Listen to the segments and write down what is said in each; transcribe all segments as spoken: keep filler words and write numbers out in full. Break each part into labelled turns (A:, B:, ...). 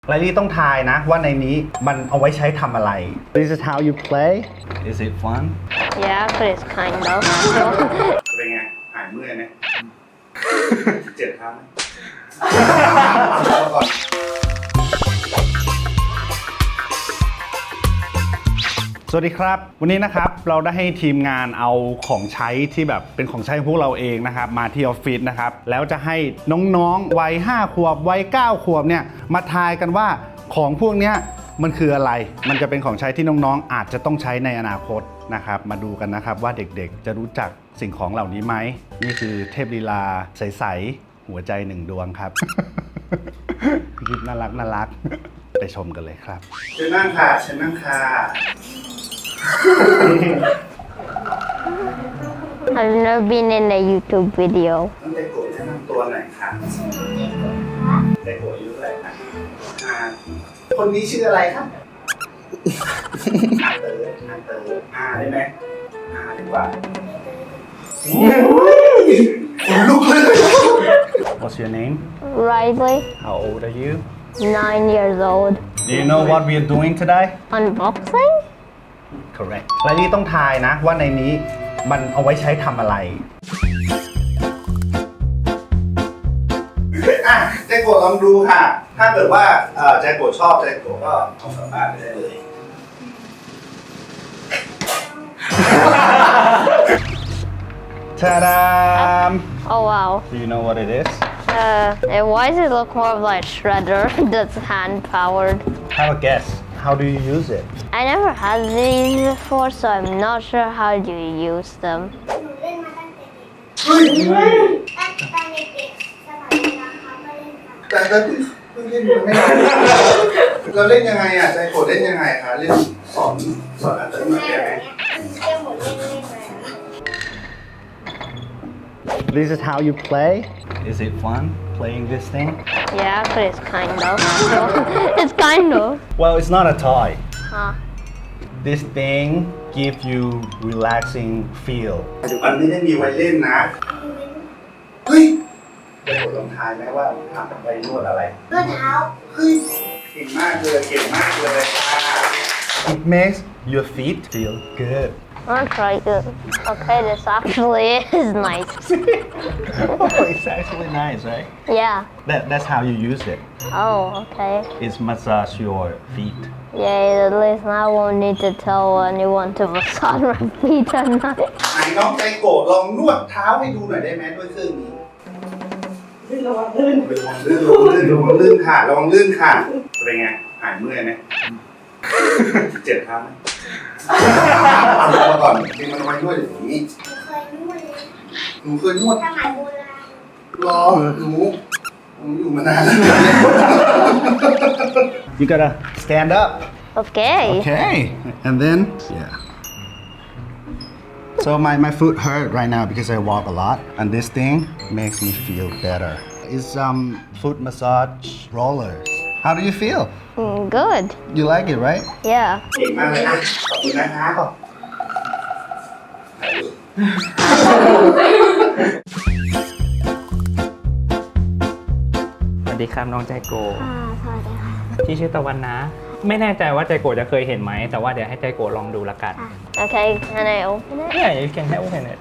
A: ไลลี่ต้องทายนะว่าในนี้มันเอาไว้ใช้ทำอะไร This is how you play Is it fun
B: Yeah, but it's kind of.
A: เป็นไงหายเมื่อยไหมเจ็บครับสวัสดีครับวันนี้นะครับเราได้ให้ทีมงานเอาของใช้ที่แบบเป็นของใช้ของพวกเราเองนะครับมาที่ออฟฟิศนะครับแล้วจะให้น้องๆวัยห้าขวบวัยเก้าขวบเนี่ยมาทายกันว่าของพวกเนี้ยมันคืออะไรมันจะเป็นของใช้ที่น้องๆอาจจะต้องใช้ในอนาคตนะครับมาดูกันนะครับว่าเด็กๆจะรู้จักสิ่งของเหล่านี้ไหมนี่คือเทพลีลาใสๆหัวใจหนึ่งดวงครับคลิปน่ารักน่ารักไปชมกันเลยครับเชิญนั่งค่ะเชิญนั่งค่ะ
B: I've never been in a YouTube video.
A: น้องเจโกะแนะนำตัวหน่อยค่ะเจโกะอายุเท่าไหร่คะอ่าคนนี้ชื่ออะไรครับอาเตอร์อาเตอร์อาได้ไหมอาดีกว่าลุกเลย What's your name?
B: Riley,
A: How old are you?
B: nine years old.
A: Do you know what we are doing today?
B: Unboxing?
A: Correct ไลลี่ต้องทายนะว่าในนี้มันเอาไว้ใช้ทำอะไรอ่ะเจโกะลองดูค่ะถ้าเกิดว่าเอ่อเจโกะชอบเจโกะก็เอากลับบ้านไปได้เลย Ta-da!
B: Oh wow.
A: Do you know what it is?
B: Uh, and why does it look more like shredder that's hand powered?
A: Have a guess. How do you use it?
B: I never had these before, so I'm not sure how do you use them.
C: หนูเล่นมาตั้งแต่เด็กตั้งแต่เด็กสมัยเวลาเขาก็เล่นกัน
A: แต่ก็เพิ่งเล่นมาไม่นานเราเล่นยังไงอ่ะใจโกรธเล่นยังไงคะเล่นสอนสอนอะไรมา
C: แม่
A: แก
C: แบบเนี้ยเที่ยวหมดเล่นเล่นมา
A: This is how you play. Is it fun playing this thing?
B: Yeah, but it's kind of. It's kind of.
A: Well, it's not a toy.
B: Huh.
A: This thing gives you relaxing feel. มันไม่ได้มีไว้เล่นนะ เฮ้ยเดี๋ยวผมลองทายไหมว่าทำไปนวดอะไร
C: นวดเท้า
A: เฮ้ยเก่งมากเลยเก่งมากเลยค่ะ It makes your feet feel good.
B: I'm gonna try it. Okay, this actually is nice.
A: Oh, it's actually nice, right?
B: Yeah.
A: That, that's how you use it.
B: Oh, okay.
A: It's massage your feet.
B: Yay, at least now I won't need to tell anyone to massage my feet at night.
A: ไหนน้องใจโกรธลองนวดเท้าให้ดูหน่อยได้ไหมด้วยเครื่องนี้ระวังลื่นระวังลื่นระวังลื่นระวังลื่นค่ะระวังลื่นค่ะเป็นไงหายเมื่อยไหมเจ็บเท้าไหมเอาลงมาก่อนจริงมันเอาไว้นวดอย่างนี้
C: หนูเคยนวดเลย
A: หนูเคยนวด
C: สมัยโบราณ
A: รอหนูหนูอยู่มานานแล้ว You gotta stand up
B: Okay.
A: Okay and then yeah So my, my foot hurt right now because I walk a lot and this thing makes me feel better. It's um foot massage rollers. How do you feel?
B: Mm, good.
A: You like it, right?
B: Yeah.
A: เก่งมากเลยนะขอบคุณนะคะขอบ
D: สวัสดีครับน้องใจโก
C: อ่าสวัสดีค่ะ
D: ที่ชื่อตะวันนะ ไม่แน่ใจว่าใจโกจะเคยเห็นไหมแต่ว่าเดี๋ยวให้ใจโกลองดูละกัน
B: Okay, can I open it?
D: เนี่ยyou can help open it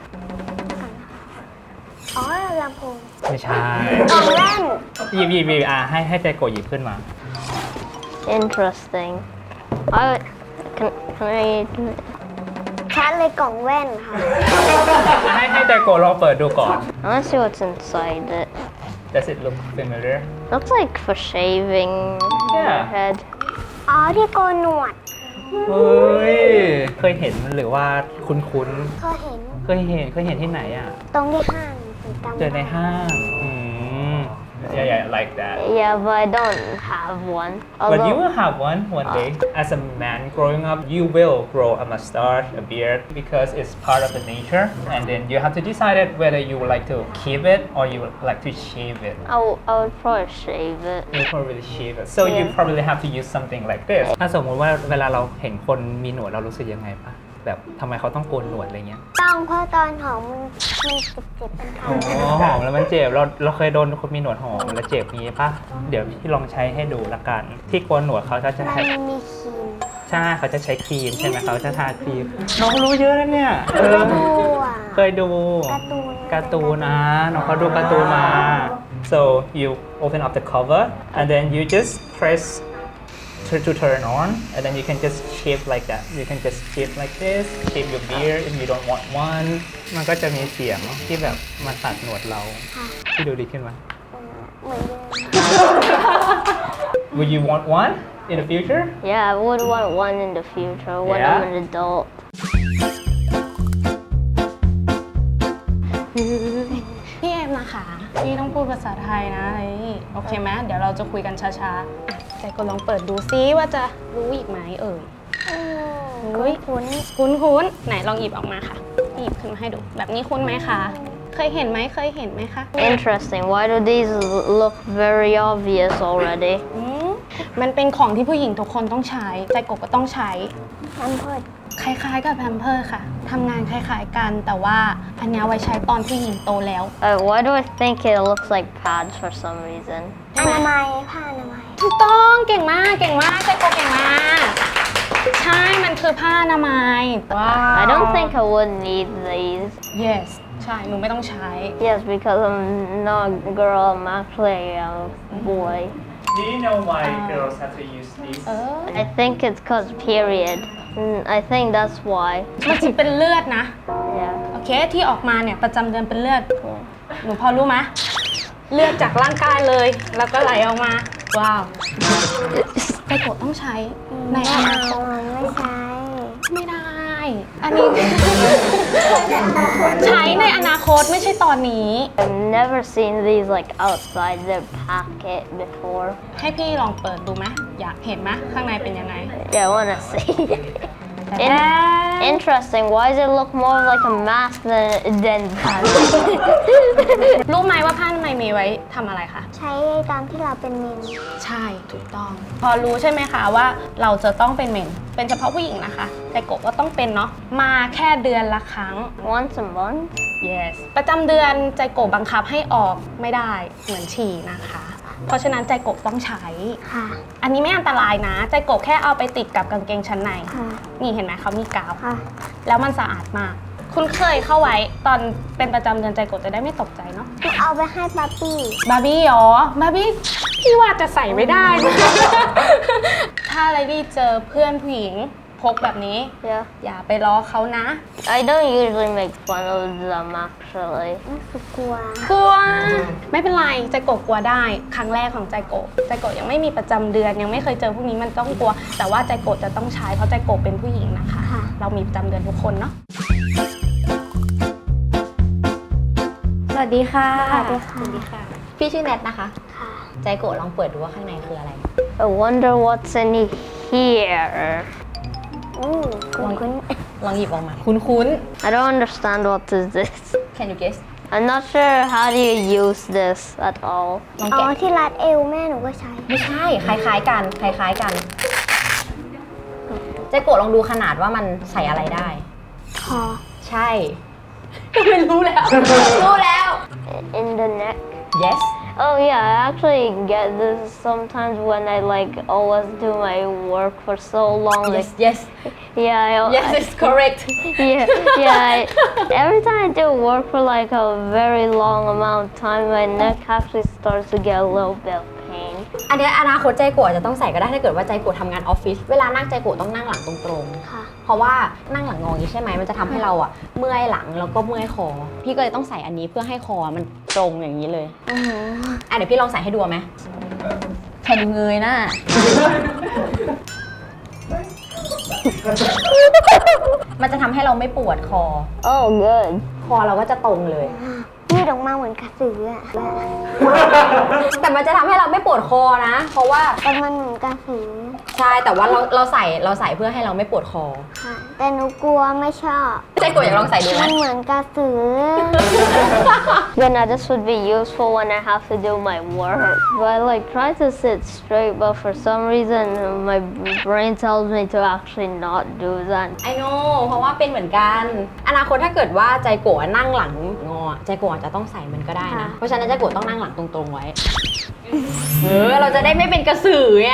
C: อ๋อลำโพง
D: ไม่ใช่
C: กล่องแว่น
D: หยิบหยิบหยิบอ่ะให้ให้ใจโกหยิบขึ้นมา
B: Interesting. I can can I?
C: ชัดเลยกล่องแว่นค่ะ
D: ให้ให้ใจโกลองเปิดดูก่อน
B: I want to see what's inside it.
D: Does it look familiar
B: Looks like for shaving your
D: Yeah.
B: head.
C: อ๋อที่โกนหนวด
D: เฮ้ยเคยเห็นหรือว่าคุ้นคุ้น
C: เคยเห็น
D: ๆเคยเห็นเคยเห็นที่ไหนอ่ะ
C: ตรงที่ห้างจำ
D: เจอในห้างอืม yeah yeah like that
B: Yeah, but I don't have one.
D: But you
B: Although,
D: will have one one day. As a man growing up, you will grow a mustache, a beard, because it's part of the nature. And then you have to decide it whether you would like to keep it or you would like to shave it.
B: I, w- I would probably shave it.
D: You probably shave it. So you
B: Yeah.
D: probably have to use something like this. ถ้าสมมุติว่าเวลาเราเห็นคนมีหนวดเรารู้สึกยังไงปะแบบทำไมเขาต้องโกนหนวดอะไรเงี้ย
C: ต้องเพราะตอนหอมมันมันเจ็บๆเป็นคัน
D: อ๋อหอมแล้วมันเจ็บเราเราเคยโดนคนมีหนวดหอมแล้วเจ็บนี้ปะเดี๋ยวพี่ลองใช้ให้ดูละกัน ที่โกนหนวดเขาจะใช้
C: มันมีครีม
D: ใช่เขาจะใช้ครีมใช่ไหมเขาจะทาครีมน้องรู้เยอะแล้วเนี่ยเออ
C: ดูอ่ะ
D: เคยดู
C: การ์ตูน
D: การ์ตูนนะน้องเขาดูการ์ตูนมา so you open up the cover and then you just press to, to turn on and then you can just shape like that you can just shape like this shape your beard if you don't want one มันก็จะมีเสียงที่แบบมาตัดหนวดเรา
C: ค่ะ
D: ที่ดูดีขึ้นไหม
C: เหมือนเดิม
D: Would you want one in the future
B: Yeah, I would want one in the future when
D: Yeah?
B: I'm an adult.
E: พี่เอ็มนะคะพี่ต้องพูดภาษาไทยนะอะไรนี่โอเคไหมเดี๋ยวเราจะคุยกันช้าๆอ่ะใจก็ลองเปิดดูซิว่าจะรู้อีกไหมเอ่ย
C: อืม
E: อุ๊ย
C: คุ้น
E: คุ้นคุ้นๆไหนลองหยิบออกมาค่ะหยิบขึ้นมาให้ดู แบบนี้คุ้นไหมคะ เคยเห็นไหมเคยเห็นไหมคะ
B: Interesting. Why do these look very obvious already?
E: อืมมันเป็นของที่ผู้หญิงทุกคนต้องใช้ ใจกบก็ต้องใช้
C: แพมเพิร์ส
E: คล้ายๆกับแพมเพิร์สค่ะทำงานคล้ายๆกัน แต่ว่าอันเนี้ยไว้ใช้ตอนผู้หญิงโตแล้ว
B: Uh, why do I think it looks like pads for some reason?
C: อนามัยผ้าอนามัย
E: ถูกต้องเก่งมากเก่งมากใจโกเก่งมากใช่มันคือผ้าอนามัยว้าว
B: I don't think I would need these.
E: yes ใช่หนูไม่ต้องใช้
B: Yes, because I'm not a girl, I'm actually a boy.
D: Do you know why girls have to use these
E: เออ
B: I think it's cause period. Mm, I think that's why.
E: มันจะเป็นเลือดนะ
B: Yeah.
E: โอเคที่ออกมาเนี่ยประจำเดือนเป็นเลือดหนูพอรู้ไหมเลือดจากร่างกายเลย แล้วก็ไหลออกมาว้าวใจโกต้องใช้ในอนาคต
C: ไม่ใช้
E: ไม่ได้ อันนี้ ใช้ในอนาคตไม่ใช่ตอนนี้
B: I've never seen these like outside their packet before.
E: ให้พี่ลองเปิดดูไหมอยากเห็นไหมข้างในเป็นยังไง
B: Yeah, I wanna see.
E: แต่
B: In- interesting. Why does it look more like a mask than than pads?
E: รู้ไหมว่าผ้าอนามัยมีไว้ทำอะไรคะ
C: ใช้ตอนที่เราเป็นเมน
E: ใช่ถูกต้อง พอรู้ใช่ไหมคะว่าเราจะต้องเป็นเมนเป็นเฉพาะผู้หญิงนะคะ แต่กบก็ต้องเป็นเนาะมาแค่เดือนละครั้ง
B: Once a month?
E: yes ประจำเดือนใจกบบังคับให้ออกไม่ได้เหมือนฉี่นะคะ เพราะฉะนั้นใจกบต้องใช้
C: ค่ะ
E: อันนี้ไม่อันตรายนะ ใจกบแค่เอาไปติดกับกางเกงชั้นใน
C: ค่ะ
E: นี่เห็นไหมเขามีกาว
C: ค่ะ
E: แล้วมันสะอาดมาก คุณเคยเข้าไว้ตอนเป็นประจำเดือนใจกบจะได้ไม่ตกใจเนาะ
C: เอาไปให้ป๊าปี้
E: บาร์บี้เหรอบาร์บี้พี่ว่าจะใส่ไม่ได้นะ ถ้าอะไรที่เจอเพื่อนผู้หญิงพกแบบนี้
B: Yeah.
E: อย่าไปล้อเขานะ
B: I don't usually make fun of them actually.
C: รู้สึกกลัว
E: กลัว ไม่เป็นไรใจโกะกลัวได้ ครั้งแรกของใจโกะใจโกะยังไม่มีประจำเดือนยังไม่เคยเจอพวกนี้มันต้องกลัว แต่ว่าใจโกะจะต้องใช้เพราะใจโกะเป็นผู้หญิงนะคะ
C: ค่ะ
E: เรามีประจำเดือนทุกคนเนาะ
F: สวัสดีค่ะ
C: สวัสดีค่ะ
E: สวัสดีค่ะ
F: พี่ชื่อแนทนะคะ
C: ค่ะ
F: ใจโกะลองเปิดดูว่าข้างในคืออะไร
B: I wonder what's in here.
C: อู้คุ้นคุ้น
F: ลองหยิบออกมา คุ้น
B: I don't understand what is this.
F: ๆ Can you guess
B: I'm not sure how do you use this at all.
F: ลอง
C: อ๋อ
F: แกะ
C: ที่รัดเอวแม่หนูก็ใช้
F: ไม่ใช่ คล้ายๆกัน คล้ายๆกัน ใจโกะลองดูขนาดว่ามันใส่อะไรได้
C: คอ
F: ใช่ ไม่รู้แล้ว รู้แล้ว
B: In the neck.
F: yes
B: Oh yeah, I actually get this sometimes when I like always do my work for so long.
F: yes
B: Like,
F: yes
B: yeah, I,
F: yes it's correct
B: yeah, yeah. I, every time I do work for like a very long amount of time, my neck actually starts to get a little bit of pain.
F: อันเนี้ยอนาคตใจโกะจะต้องใส่ก็ได้ถ้าเกิดว่าใจโกะทำงานออฟฟิศ เวลานั่งใจโกะต้องนั่งหลังตรงๆ
C: ค่ะ
F: เพราะว่านั่งหลังงออย่างนี้ใช่ไหมมันจะทำให้เราอะเมื่อยหลังแล้วก็เมื่อยคอ พี่ก็เลยต้องใส่อันนี้เพื่อให้คอมันตรงอย่างนี้เลย
C: อือหือ
F: อ่ะเดี๋ยวพี่ลองใส่ให้ดูไหมแค่ดูเงยหน้า มันจะทำให้เราไม่ปวดคอ
B: Oh, good.
F: คอเราก็จะตรงเลย
C: ยืดออกมาเหมือนกระสืออะ
F: แต่มันจะทำให้เราไม่ปวดคอนะ เพราะว่า
C: แต่มันเหมือนกระสือ
F: ใช่แต่ว่าเราเราใส่เราใส่เพื่อให้เราไม่ปวดคอ
C: ค่ะ แต่หนูกลัวไม่ชอบ
F: ใจกดอยากลองใส่ดูไหม
C: มันเหมือนกระสือ
B: Then uh, this would be useful when I have to do my work. But I like try to sit straight, but for some reason my brain tells me to actually not do that.
F: ไอโน่เพราะว่าเป็นเหมือนกัน อนาคตถ้าเกิดว่าใจโกะนั่งหลังงอใจโกะอาจจะต้องใส่มันก็ได้นะ
C: ค่ะ
F: เพราะฉะนั้นใจโกะต้องนั่งหลังตรงๆไว้ เออเราจะได้ไม่เป็นกระสือไง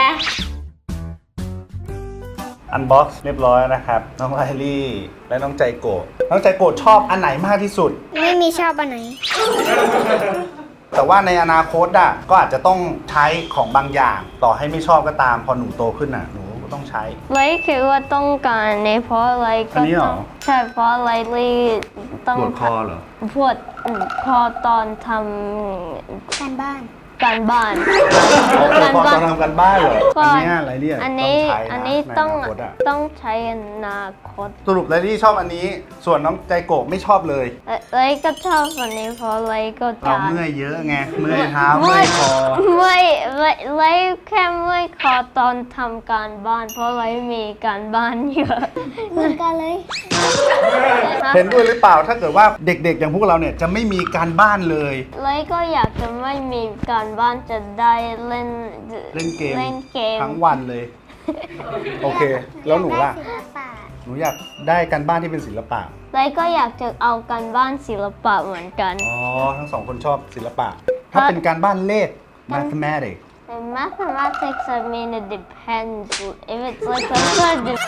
A: อันบ็อกซ์เรียบร้อยนะครับ น้องไลลี่และน้องใจโกะน้องใจโกะชอบอันไหนมากที่สุด
C: ไม่มีชอบอันไหน
A: แต่ว่าในอนาคตอ่ะก็อาจจะต้องใช้ของบางอย่าง ต่อให้ไม่ชอบก็ตามพอหนูโตขึ้นอ่ะหนูก็ต้องใช้
B: Like คิดว่าต้องการเนี่ยเพราะ like
A: อันนี้เหรอ
B: ใช่เพราะ likely ต้อง
A: ปวดคอเหรอ
B: ปวดคอตอนท
C: การบ้าน
B: ำการบ้าน
A: ปวดคอตอนทำกันบ้านเหรอ
B: ก็
A: อันเนี้ยไลลี่
B: อัน
A: ต้อ
B: นี้
A: งใช้นะ
B: อันนี้
A: ใน
B: ต้อง
A: อนาคตอ่ะ
B: ต้องใช้อนาคต
A: สรุปไลลี่ชอบอันนี้ ส่วนน้องใจโกะไม่ชอบเลย
B: ไลก็ชอบอันนี้เพราะไลก็
A: เรา
B: จะ
A: เมื่อยเยอะไงเมื่อยเท้าเมื่อยคอ
B: ไม่ไม่ไลแค่เมื่อยคอตอนทำการบ้าน เพราะไลมีการบ้านเยอะ
C: เหมือนกันเลย
A: เห็นด้วยหรือเปล่าถ้าเกิดว่าเด็กๆ อย่างพวกเราเนี่ยจะไม่มีการบ้านเลย
B: ไลก็อยากจะไม่มีการบ้านจะได้เล่น
A: เล่นเกม
B: เล่นเกม
A: ทั้งวันเลย โอเค แล้วหนูล่ะ
C: ศิลปะ
A: หนูอยากได้การบ้านที่เป็นศิลปะ
B: ไลก็อยากจะเอาการบ้านศิลปะเหมือนกัน
A: อ๋อ ทั้งสองคนชอบศิลปะ ถ้าเป็นการบ้านเลข mathematics
B: In mathematics, I mean it depends. If it's like some sort of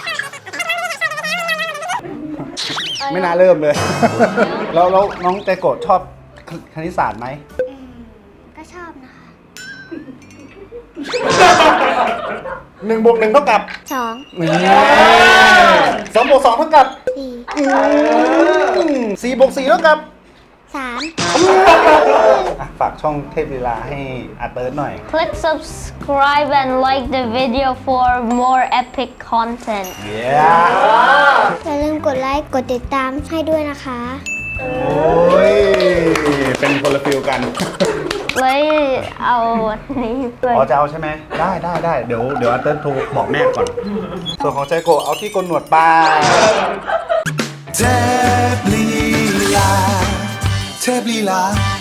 A: ไม่น่าเริ่มเลย แล้วแล้วน้องใจโกะชอบคณิตศาสตร์ไหม
C: อืมก็ชอบนะคะ
A: หนึ่งบวกหนึ่งเท่ากับ
C: สอง
A: สองบวกสองเท่ากับ
C: สี่
A: สี่บวกสี่เท่ากับ
C: สาม
A: อ่ะฝากช่องเทพลีลาให้อาเติร์ดหน่อย
B: click subscribe and like the video for more epic content.
A: เย้
C: อย่าลืมกดไลค์ กดติดตามให้ด้วยนะคะ
A: โอ้ย เป็นคนละฟิลกัน
B: เลยเอาอันนี้ไป
A: อ๋อจะเอาใช่ไหม ได้ได้ได้เดี๋ยวเดี๋ยวอาเติร์ดโทรบอกแม่ก่อน ส่วนของใจโกะเอาที่โกนหนวดไป
G: เทพลีลาเทพลีลา